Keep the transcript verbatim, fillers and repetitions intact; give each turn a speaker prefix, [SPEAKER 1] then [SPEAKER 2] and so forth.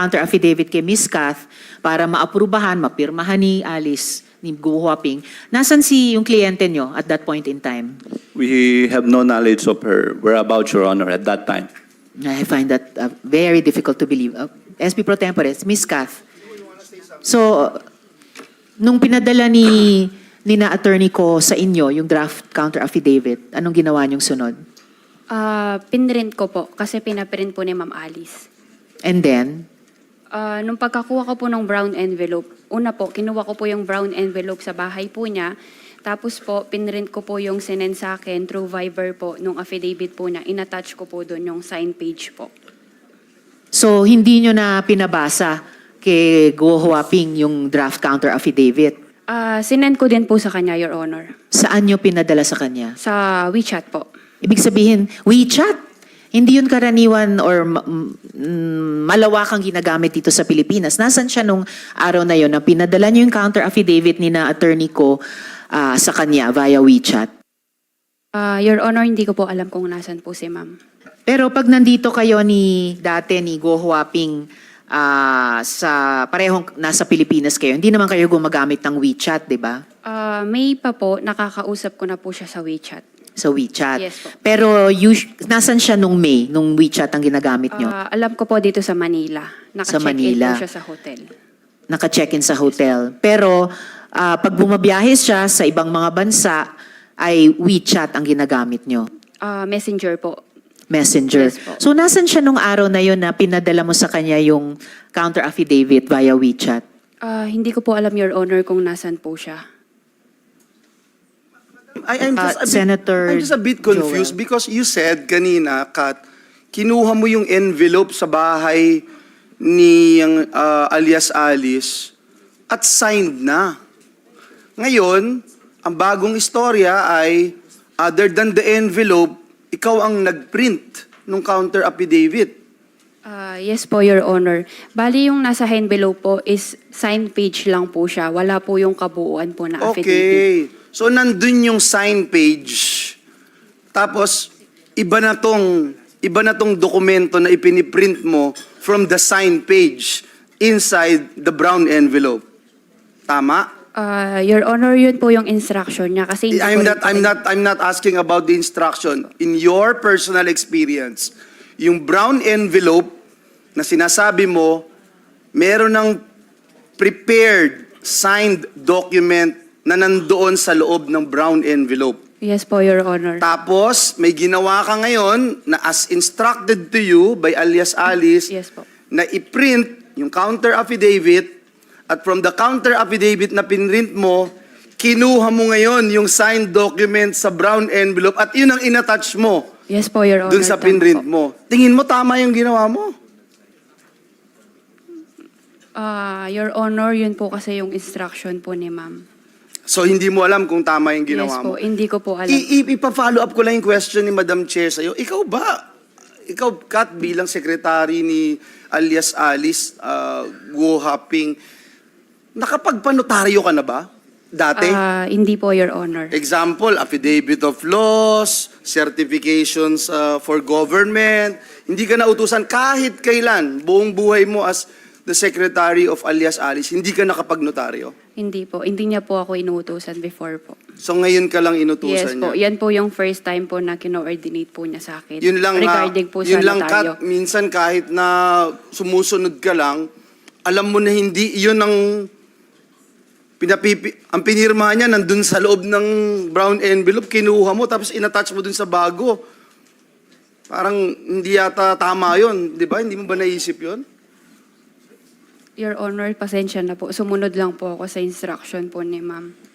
[SPEAKER 1] counter affidavit kay Miss Kath para maaprubahan, mapirmahan ni Alice, ni Guo Huaping. Nasaan si yung kliyente nyo at that point in time?
[SPEAKER 2] We have no knowledge of her whereabouts, Your Honor, at that time.
[SPEAKER 1] I find that uh, very difficult to believe. Uh, S P Pro Tempore, Miss Kath. So, nung pinadala ni, ni na attorney ko sa inyo, yung draft counter affidavit, anong ginawa niyong sunod?
[SPEAKER 3] Ah, pinrint ko po kasi pinaprint po ni Ma'am Alice.
[SPEAKER 1] And then,
[SPEAKER 3] Ah, nung pagkakuha ko po ng brown envelope, una po, kinuha ko po yung brown envelope sa bahay po niya. Tapos po, pinrint ko po yung sinend sa akin through Viber po, nung affidavit po niya. Inattach ko po doon yung sign page po.
[SPEAKER 1] so hindi nyo na pinabasa kay Guo Huaping yung draft counter affidavit?
[SPEAKER 3] Ah, sinend ko din po sa kanya, Your Honor.
[SPEAKER 1] Saan nyo pinadala sa kanya?
[SPEAKER 3] Sa WeChat po.
[SPEAKER 1] Ibig sabihin, WeChat. Hindi yun karaniwan or mm, malawakang ginagamit dito sa Pilipinas. Nasaan siya nung araw na yun na pinadala niyo yung counter affidavit ni na attorney ko ah, sa kanya via WeChat?
[SPEAKER 3] Ah, Your Honor, hindi ko po alam kung nasan po si Ma'am.
[SPEAKER 1] Pero pag nandito kayo ni dati ni Guo Huaping ah, sa parehong nasa Pilipinas kayo, hindi naman kayo gumagamit ng WeChat, di ba?
[SPEAKER 3] Ah, May pa po, nakakausap ko na po siya sa WeChat.
[SPEAKER 1] Sa WeChat.
[SPEAKER 3] Yes po.
[SPEAKER 1] Pero us- nasan siya nung May, nung WeChat ang ginagamit nyo?
[SPEAKER 3] Ah, alam ko po dito sa Manila.
[SPEAKER 1] Sa
[SPEAKER 3] Naka-check-in
[SPEAKER 1] Manila.
[SPEAKER 3] po siya sa hotel.
[SPEAKER 1] Naka-check-in sa hotel. Pero ah, pag bumabiyahe siya sa ibang mga bansa, ay WeChat ang ginagamit nyo.
[SPEAKER 3] Ah, messenger po.
[SPEAKER 1] Messenger.
[SPEAKER 3] Yes po.
[SPEAKER 1] So, nasan siya nung araw na yun na pinadala mo sa kanya yung counter affidavit via WeChat?
[SPEAKER 3] Ah, hindi ko po alam, Your Honor, kung nasan po siya.
[SPEAKER 4] I, I'm just
[SPEAKER 1] Uh,
[SPEAKER 4] a bit,
[SPEAKER 1] Senator
[SPEAKER 4] I'm just a bit confused
[SPEAKER 1] Joel.
[SPEAKER 4] because you said kanina, Kat, kinuha mo yung envelope sa bahay ni yung, uh, alias Alice at signed na. Ngayon, ang bagong istorya ay other than the envelope, ikaw ang nagprint ng counter affidavit.
[SPEAKER 3] Ah, yes po, Your Honor. Bali, yung nasa envelope po is sign page lang po siya. Wala po yung kabuuan po na affidavit.
[SPEAKER 4] Okay. So, nandun yung sign page. Tapos, iba na tong, iba na tong dokumento na ipiniprint mo from the sign page inside the brown envelope. Tama?
[SPEAKER 3] Ah, Your Honor, yun po yung instruction niya. Kasi hindi
[SPEAKER 4] I'm
[SPEAKER 3] ko
[SPEAKER 4] not,
[SPEAKER 3] rin po
[SPEAKER 4] I'm
[SPEAKER 3] rin-
[SPEAKER 4] not, I'm not asking about the instruction. In your personal experience, yung brown envelope na sinasabi mo, meron ng prepared, signed document na nandoon sa loob ng brown envelope.
[SPEAKER 3] Yes po, Your Honor.
[SPEAKER 4] Tapos, may ginawa ka ngayon na as instructed to you by alias Alice,
[SPEAKER 3] Yes po.
[SPEAKER 4] na i-print yung counter affidavit at from the counter affidavit na pinrint mo, kinuha mo ngayon yung signed document sa brown envelope at yun ang inattach mo
[SPEAKER 3] Yes po, Your Honor.
[SPEAKER 4] dun sa
[SPEAKER 3] Tama
[SPEAKER 4] pinrint
[SPEAKER 3] po.
[SPEAKER 4] mo. Tingin mo tama yung ginawa mo?
[SPEAKER 3] Ah, Your Honor, yun po kasi yung instruction po ni Ma'am.
[SPEAKER 4] So, hindi mo alam kung tama yung ginawa
[SPEAKER 3] Yes po,
[SPEAKER 4] mo.
[SPEAKER 3] hindi ko po alam.
[SPEAKER 4] I- i- ipa-follow up ko lang yung question ni Madam Chair sa'yo. Ikaw ba, ikaw, Kat, bilang secretary ni alias Alice uh, Guo Huaping, nakapagpanotaryo ka na ba? Dati?
[SPEAKER 3] Ah, hindi po, Your Honor.
[SPEAKER 4] Example, affidavit of laws, certifications uh, for government. Hindi ka nautusan kahit kailan, buong buhay mo as the secretary of alias Alice, hindi ka nakapagnotaryo.
[SPEAKER 3] Hindi po. Hindi niya po ako inuutosan before po.
[SPEAKER 4] So ngayon ka lang
[SPEAKER 3] Yes
[SPEAKER 4] inutusan
[SPEAKER 3] po.
[SPEAKER 4] niya.
[SPEAKER 3] Yan po yung first time po na kino-ordinate po niya sa akin.
[SPEAKER 4] Yun lang nga,
[SPEAKER 3] Regarding po
[SPEAKER 4] yun
[SPEAKER 3] sa
[SPEAKER 4] lang
[SPEAKER 3] notaryo.
[SPEAKER 4] Kat, minsan kahit na sumusunod ka lang, alam mo na hindi, yun ang pinapipi, ang pinirma niya nandun sa loob ng brown envelope, kinuha mo, tapos inattach mo dun sa bago. Parang hindi yata tama yun, di ba? Hindi mo ba naisip yun?
[SPEAKER 3] Your Honor, pasensya na po. Sumunod lang po ako sa instruction po ni Ma'am.